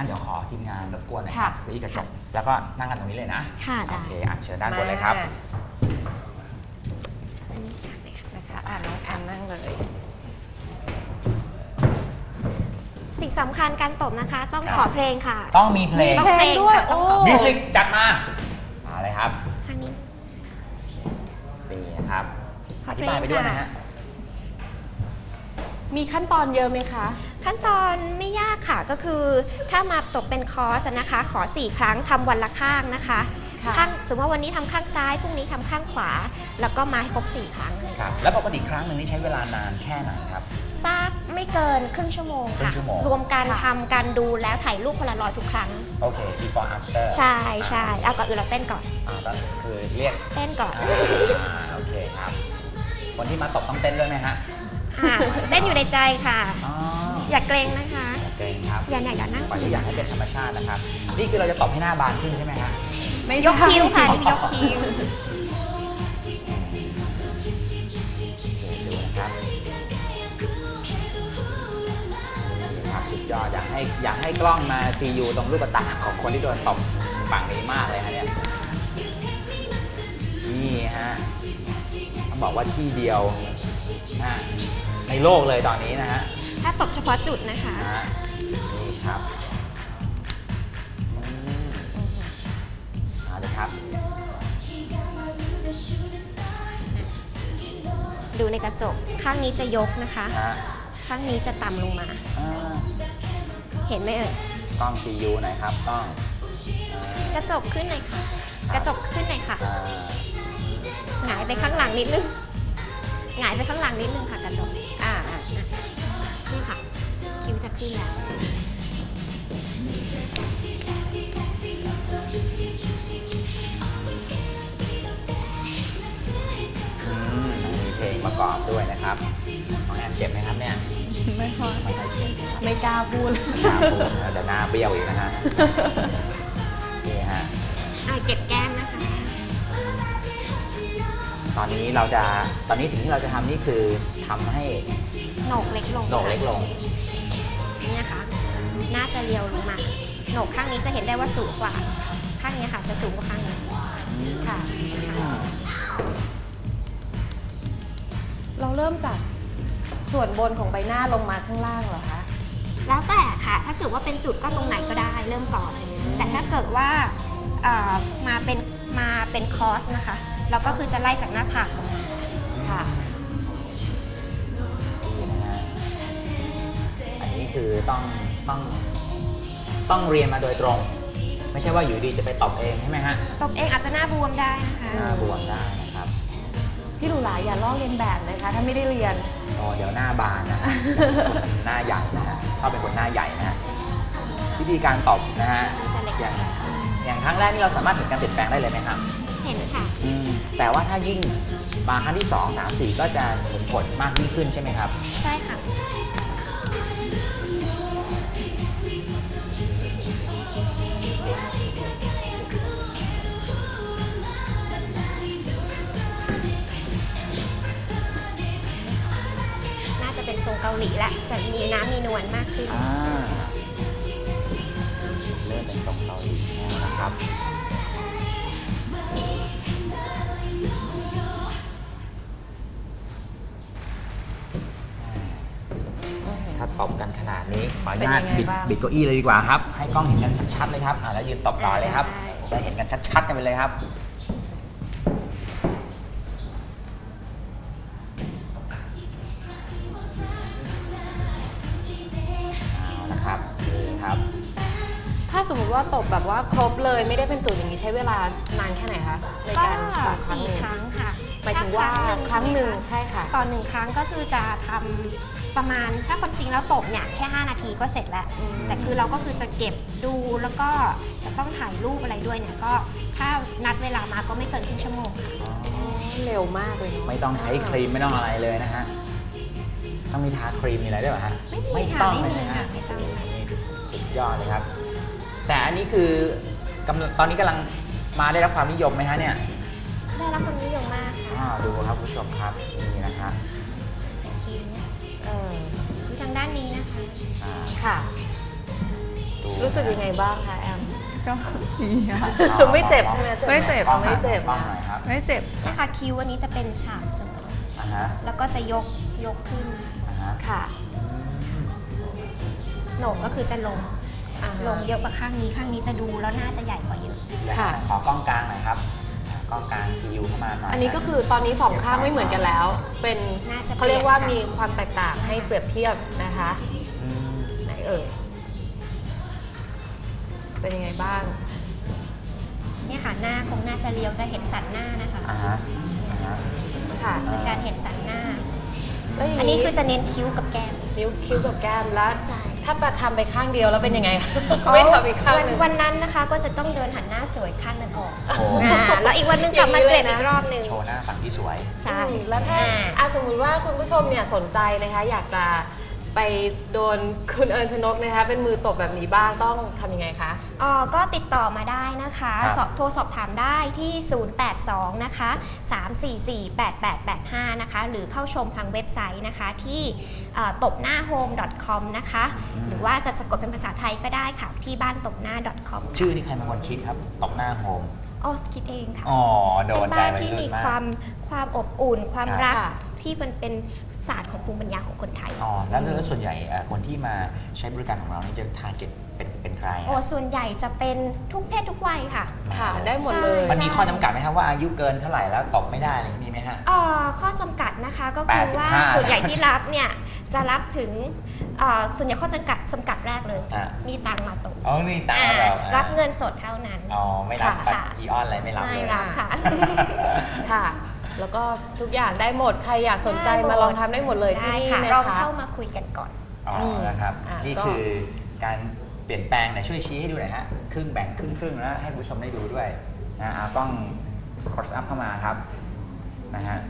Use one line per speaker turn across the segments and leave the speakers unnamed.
งั้นเดี๋ยวขอทีมงานรบกวนหน่อยครับที่กระจกแล้วก็นั่งกันตรงนี้เลยนะ
ค่ะ
โอเคเชิญด้านบนเลยครับ
อันนี้จากไหนคะ
นะคะน้องแอมนั่งเลย
สิ่งสำคัญการตบนะคะ ต้องขอเพลงค่ะ
ต้องมีเพลง
ต้องเพลงด้วยโอ้
มิวสิกจัดมาเลยครับ
ทางนี้
ดีนะครับอธิบายไปด้วยนะฮะ
มีขั้นตอนเยอะไหมคะ
ขั้นตอนไม่ยากค่ะก็คือถ้ามาตบเป็นคอร์สนะคะขอ4ครั้งทำวันละข้างนะคะข้างสมมติว่าวันนี้ทำข้างซ้ายพรุ่งนี้ทำข้างขวาแล้วก็มาให้ครบ4ครั้ง
ครับแล้วปกติครั้งหนึ่งนี่ใช้เวลานานแค่ไหนครับ
สักไม่เกินครึ่งชั่วโมงค่ะรวมการทำการดูแล้วถ่ายรูปพลารอยด์ทุกครั้ง
โอเค before after
ใช่ใช่เอาก่อนอื่นเราเต้นก่อน
คือเรียก
เต้นก่อน
โอเคครับคนที่มาตบต้องเต้นด้วยไหมฮะ
เต้นอยู่ในใจค่ะอย่าเกรงนะคะ
เกรงครับ
อย่านั่ง
ปล่อยทุกอย่างให้เป็นธรรมชาตินะครับนี่คือเราจะตบให้หน้าบานขึ้นใช่ไหมฮะ
ไม่ยกคิ้วค่ะนี่ยกคิ้ว
ดูนะครับสุดยอดอยากให้กล้องมาซียูตรงลูกตาของคนที่โดนตบฝั่งนี้มากเลยฮะเนี่ยนี่ฮะต้องบอกว่าที่เดียวในโลกเลยตอนนี้นะฮะ
ถ้าตบเฉพาะจุดนะคะ
นี่ครับมาเลยครับ
ดูในกระจกข้างนี้จะยกนะคะข้างนี้จะต่ำลงมาเห็นไหมเอ่ย
กล้องซียูหน่อยครับกล้อง
กระจกขึ้นหน่อยค่ะกระจกขึ้นหน่อยค่ะหงายไปข้างหลังนิดนึงหงายไปข้างหลังนิดนึงค่ะกระจกนี่ค่ะคิ้วจะขึ้นแล้ว
มีเพลงประกอบด้วยนะครับน้องแอนเจ็บไหมครับเนี่ย
ไม่ค่อยเจ็บไม่กล้าพูด
แต่หน้าเบี้ยวอีกนะฮะนี่ฮะ
เก็บแก้มนะคะ
ตอนนี้สิ่งที่เราจะทำนี่คือทำให้
โหนกเล็กลงนี่นะคะน่าจะเรียวลงมาโหนกข้างนี้จะเห็นได้ว่าสูงกว่าข้างนี้ค่ะจะสูงกว่าข้างนี้ค่ะ
เราเริ่มจากส่วนบนของใบหน้าลงมาข้างล่างเหรอคะ
แล้วแต่ค่ะถ้าเกิดว่าเป็นจุดก็ตรงไหนก็ได้เริ่มก่อนแต่ถ้าเกิดว่ามาเป็นคอร์สนะคะเราก็คือจะไล่จากหน้าผากค่ะ
อันนี้คือต้องเรียนมาโดยตรงไม่ใช่ว่าอยู่ดีจะไปตบเองใช่ไหมฮะ
ตบเองอาจจะหน้าบวมได้นะคะ
หน้าบวมได้นะครับ
พี่หลูหลาอย่าลอกเรียนแบบนะคะถ้าไม่ได้เรียน
เดี๋ยวหน้าบานนะหน้าใหญ่นะฮะชอบเป็นคนหน้าใหญ่นะฮะวิธีการตบนะฮะอย่างครั้งแรกนี่เราสามารถเห็นการเปลี่ยนแปลงได้เลยไหมครับ
เห็นค่ะ
แต่ว่าถ้ายิ่งมาครั้งที่2 3 4ก็จะเห็นผลมากยิ่งขึ้นใช่ไหมครับ
ใช่ค่ะน่าจะเป็นทรงเกาหลีละจะมีน้ำมีนวลมากขึ้น
เริ่มเป็นทรงเกาหลีนะครับถ้าตบกันขนาดนี้ขออนุญาตบิดเก้าอี้เลยดีกว่าครับให้กล้องเห็นกันชัดๆเลยครับแล้วยืนตบต่อเลยครับจะเห็นกันชัดๆกันไปเลยครับนะครับนี่ครับ
ถ้าสมมติว่าตบแบบว่าครบเลยไม่ได้เป็นจุดอย่างนี้ใช้เวลานานแค่ไหนคะในการตบ
4 ครั้งค่ะ
หมายถึงว่าครั้งหนึ่งใช่ค่ะ
ต่อ1 ครั้งก็คือจะทำประมาณถ้าความจริงแล้วตบเนี่ยแค่5 นาทีก็เสร็จแล้วแต่คือเราก็คือจะเก็บดูแล้วก็จะต้องถ่ายรูปอะไรด้วยเนี่ยก็ถ้านัดเวลามาก็ไม่เกินครึ่งชั่วโมงค่ะ
เร็วมากเลย
ไม่ต้องใช้ครีมไม่ต้องอะไรเลยนะฮะต้องมีทาครีมมีอะไรด้วยเหรอฮะ
ไม่ต้องเลยนะฮะ
สุดยอดเลยครับแต่อันนี้คือตอนนี้กำลังมาได้รับความนิยมไหมฮะเนี่ย
ได้รับความนิยมมากค่ะ
ดูครับผู้ชมครับนี่นะครับ
ดูทางด้านนี้นะคะ
ค่ะรู้สึกยังไงบ้างคะแอม
ก็ดีค่ะ
ไม่เจ็บใช่ไหม
ไม่เจ็บ
อ๋อไม่เจ็บ
บ้าง
นะ
หน่อยครับ
ไม่เจ็บ
นะคะคิ้วอันนี้จะเป็นฉากเสมอ
อ่าฮะ
แล้วก็จะยกขึ้น
อ่าฮะ
ค่ะ
โหนกก็คือจะลง
อ่าฮะ
ลงเยอะกว่าข้างนี้ข้างนี้จะดูแล้วน่าจะใหญ่กว่าเยอะ
ค่ะ
ขอกล้องกลางหน่อยครับกล้องกลางซีอูเข้ามาหน่อย
อันนี้ก็คือตอนนี้สองข้างไม่เหมือนกันแล้ว เป็น
น่าจะ
เขาเรียกว่า
เปลี่
มี
ยนค่ะ
ความแตกต่างให้เปรียบเทียบนะคะ
อืม
ไหนเอ่ย เป็นยังไงบ้าง
เนี่ยค่ะหน้าคงน่าจะเรียวจะเห็นสันหน้านะคะ
อ่าฮะอ่าฮะ
ค่ะ
จะเป็นการเห็นสันหน้า
แล้วอย่าง
อันนี้คือจะเน้นคิ้วกับแก้ม
นิ้วคิ้วกับแก้มแล้ว
ใช่
ถ้าประทำไปข้างเดียวแล้วเป็นยังไง ไม่ทำอีกข้างหนึ่ง
วันนั้นนะคะก็จะต้องเดินหันหน้าสวยข้างนั้นออก
โอ้โห
แล้วอีกวันหนึงกลับมาเกรดอีกรอบหนึง
โชว์หน้าฝั่งที่สวย
ใช่
แล้วถ้าสมมุติว่าคุณผู้ชมเนี่ยสนใจนะคะ อยากจะไปโดนคุณเอิญชนกนะคะ เป็นมือตบแบบนี้บ้างต้องทำยังไงคะ
ก็ติดต่อมาได้นะคะ
ครับ
โทรสอบถามได้ที่ 082 นะคะ 344 8885 นะคะ หรือเข้าชมทางเว็บไซต์นะคะที่ตบหน้า home.com นะคะ หรือว่าจะสะกดเป็นภาษาไทยก็ได้ค่ะที่บ้านตบหน้า .com
ชื่อนี่ใครเป็นคนคิดครับตบหน้าโฮม
คิดเองค่ะ
อ๋อโด
เป็น น
ใจ
บ้าน
วัย
ที่
รุ่
มี
นมาก
ความอบอุ่น ความรัก
ค่ะ
ที่มันเป็นศาสตร์ของภูมิปัญญาของคนไทย
อ๋อแล้วส่วนใหญ่คนที่มาใช้บริการของเรานี่จะทาร์เก็ตเป็นใครอะ
ส่วนใหญ่จะเป็นทุกเพศทุกวัยค่ะ
ค่ะ ได้หมดเลย
มันมีข้อจำกัดไหมครับว่าอายุเกินเท่าไหร่แล้วตบไม่ได้อะไรอย่างนี้มีไหมฮะ
ข้อจำกัดนะคะก็คือว่า
85
ส่วนใหญ่ที่รับเนี่ยจะรับถึงส่วนใหญ่ข้อจำกัดแรกเลย
อ่ะ
มีตังค์มาตก
อ๋อมีตามเรา
รับเงินสดเท่านั้น
อ๋อไม่รับ
ค่ะ
บัตรอีออนอะไรไม่รับ
ไม่
เลย
รับค่ะ
ค่ะ แล้วก็ทุกอย่างได้หมด ใครอยากสนใจ
ได้หมด
มาลองทำได้หมดเลยที่
ได้
นี่
ค่ะ
นะ
ลอง
คะ
เข้ามาคุยกันก่อน
อ๋อนะครับ
อ่ะ
นี่
ก็
คือการเปลี่ยนแปลงไหนช่วยชี้ให้ดูหน่อยฮะครึ่งแบ่งครึ่งแล้วให้คุณผู้ชมได้ดูด้วยนะเอากล้อง close up เข้ามาครับนะฮะ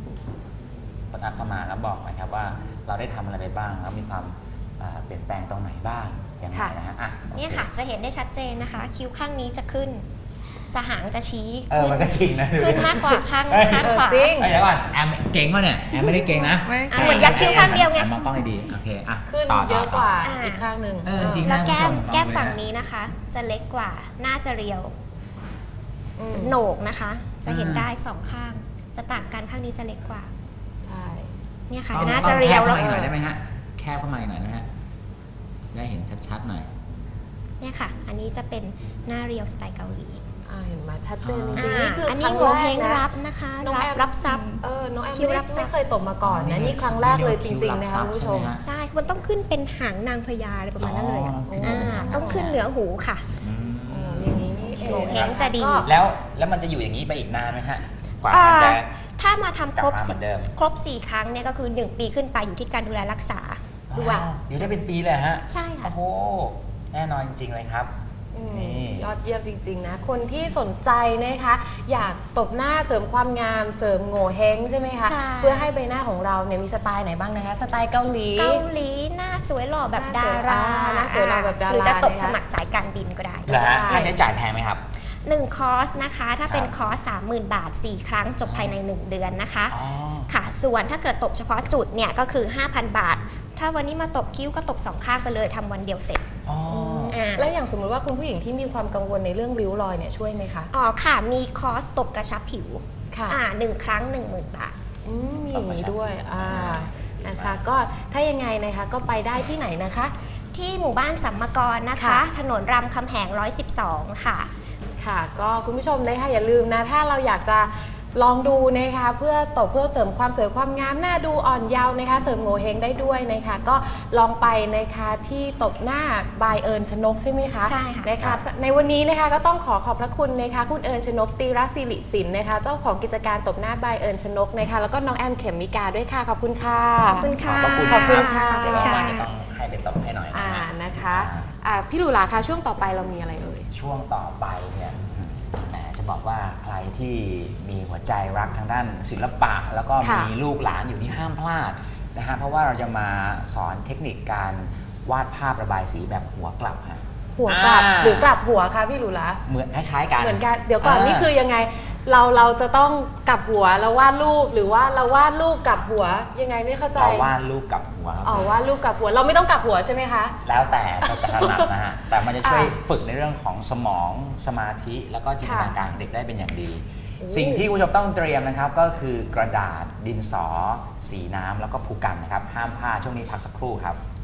close up เข้ามาแล้วบอกหน่อยครับว่าเราได้ทำอะไรไปบ้างแล้วมีความเปลี่ยนแปลงตรงไหนบ้างยังไงนะฮะอ่ะ
เนี่ยค่ะจะเห็นได้ชัดเจนนะคะ คิ้วข้างนี้จะขึ้น จะหางจะชี้
มันก็จริงนะ
ขึ้นมากกว่าข้าง
เอ้ย
ขวา
จริง
เดี๋ยวก่อนแอมเก่งป่ะเนี่ยแอมไม่ได้เก่งนะ
ไม่
เหมือนยักษ์คิ้วข้างเดียวไง
แอมมองกล้องให้ดีโอเคอ่ะ
ขึ้น
ต่
เยอะกว่า
อ่า
อีกข้างหนึ่ง
จริง
แล้วแก้ม
คุณผู้ชม
แก้ม
ลองดูนะ
ฝั่งนี้นะคะ จะเล็กกว่าน่าจะเรียว
อืม
โหนกนะคะ จะเห็นได้สองข้าง จะต่างกันข้างนี้จะเล็กกว่า
ใช่
เนี่ยค่ะ
ต้อง
น่าจะเรียว
แค
แล้ว
บเข้ามาอีกหน่อยได้ไหมฮะแคบเข้ามาอีกหน่อยได้ไหมฮะได้เห็นชัดๆหน่อย
เนี่ยค่ะ อันนี้จะเป็นหน้าเรียวสไตล์เกาหลี
เห็นไหมชัดเจนจ
อ๋
ริงๆนี่คือ
อัน
ค
นี้
รั้ง
โง
แร
เฮ
ก
ง
นะ
รับนะคะ
น้องแอม
รับซับ
น้องแอม
คิ้ว
ไม่
รับทรัพย์
ไม่เคยตบมาก่อนนะนี่ครั้งแรกเลยจริงๆนะคะคุณผู้ชม
ใช่ มันต้องขึ้นเป็นหางนางพญาอะไรประมาณนั้นเลยอะ
อ๋อ
ต้องขึ้นเหนือหูค่ะ
โอ้อย่างนี้นี่เอง
โงเห้งจะดี
ก็
แล้วมันจะอยู่อย่างนี้ไปอีกนานไหมฮะกว่า
อ่า
มันจะ
ถ้ามาทำครบ
กลับมาเหมือนเดิม
ครบ 4 ครั้งเนี่ยก็คือ 1 ปีขึ้นไปอยู่ที่การดูแลรักษาด้วย
อยู่ได้เป็นปีเลยฮะ
ใช่ค่ะ
โอ้โหแน่นอนจริงๆเลยครับ นี่
ยอดเยี่ยมจริงๆนะคนที่สนใจนะคะอยากตบหน้าเสริมความงามเสริมโง่เฮงใช่ไหมคะ
ใช่
เพื่อให้ใบหน้าของเราเนี่ยมีสไตล์ไหนบ้างนะคะสไตล์เกาหลี
เกาหลีหน้าสวยหล่อแบบดารา
หน้าสวยหล่อแบบดารา
หรือจะตก
นะคะ
สมัครสายการบินก็ได้
เหรอฮะค่าใช้จ่ายแพงไหมครับ
1 คอร์สนะคะ ถ้าเป็น
ครับ
คอร์ส 30,000 บาท 4 ครั้งจบภายใน 1 เดือนนะคะ
อ๋อ
ค่ะ ส่วนถ้าเกิดตบเฉพาะจุดเนี่ยก็คือ 5,000 บาท ถ้าวันนี้มาตบคิ้วก็ตบ 2 ข้างไปเลยทำวันเดียวเสร็จ
อ๋อ
แล้วอย่างสมมุติว่าคุณผู้หญิงที่มีความกังวลในเรื่องริ้วรอยเนี่ยช่วยไหมคะ
อ๋อค่ะ มีคอร์สตบกระชับผิว
ค่ะ
1 ครั้ง 10,000 บาท
มีอย่างนี้ด้วยนะคะก็ถ้ายังไงนะคะก็ไปได้ที่ไหนนะคะ
ที่หมู่บ้านสัมมกรนะคะ
ค่ะ
ถนนรามคำแหง 112 ค่ะ
ค่ะก็คุณผู้ชมนะคะอย่าลืมนะถ้าเราอยากจะลองดูนะคะเพื่อตบเพื่อเสริมความสวยความงามหน้าดูอ่อนเยาว์นะคะเสริมโงเฮงได้ด้วยนะคะก็ลองไปนะคะที่ตบหน้าบายเอิญชนกใช่ไหมคะ
ใช่ค่ะ
นะคะในวันนี้นะคะก็ต้องขอบพระคุณนะคะคุณเอิญชนกตีรศิริสินนะคะเจ้าของกิจการตบหน้าบายเอิญชนกนะคะแล้วก็น้องแอมเข็มมิกาด้วยค่ะขอบคุณค่ะ
ขอบคุณค่ะ
ขอบคุณ
ค่ะ
เดี๋ยวเราวันนี้ต้องให้เป็นตบให้หน่อยนะฮะ
นะคะพี่หลูหลาคะช่วงต่อไปเรามีอะไรเอ่ย
ช่วงต่อไปเนี่ยแหมจะบอกว่าใครที่มีหัวใจรักทางด้านศิลปะ แล้วก็
ค่ะ
มีลูกหลานอยู่ที่ห้ามพลาดนะฮะเพราะว่าเราจะมาสอนเทคนิคการวาดภาพระบายสีแบบหัวกลับฮะ
หัวกลับหรือกลับหัวคะพี่หลูหลา
เหมือนคล้ายๆกัน
เหมือนกันเดี๋ยวก่อนนี่คือยังไงเราจะต้องกลับหัวเราวาดรูปหรือว่าเราวาดรูปกลับหัวยังไงไม่เข้าใจ
เราวาดรูปกับหัวครับ
อ๋อวาดรูปกลับหัวเราไม่ต้องกลับหัวใช่ไหมคะ
แล้วแต่เราจะถนัดนะฮะ แต่มันจะช่วย
อ่ะ
ฝึกในเรื่องของสมองสมาธิแล้วก็จินตนาการของเด็กได้เป็นอย่างดี
โอ้
สิ่งที่คุณผู้ชมต้องเตรียมนะครับก็คือกระดาษดินสอ สีน้ำแล้วก็ภูกันนะครับ ห้ามพลาดช่วงนี้พักสักครู่ครับ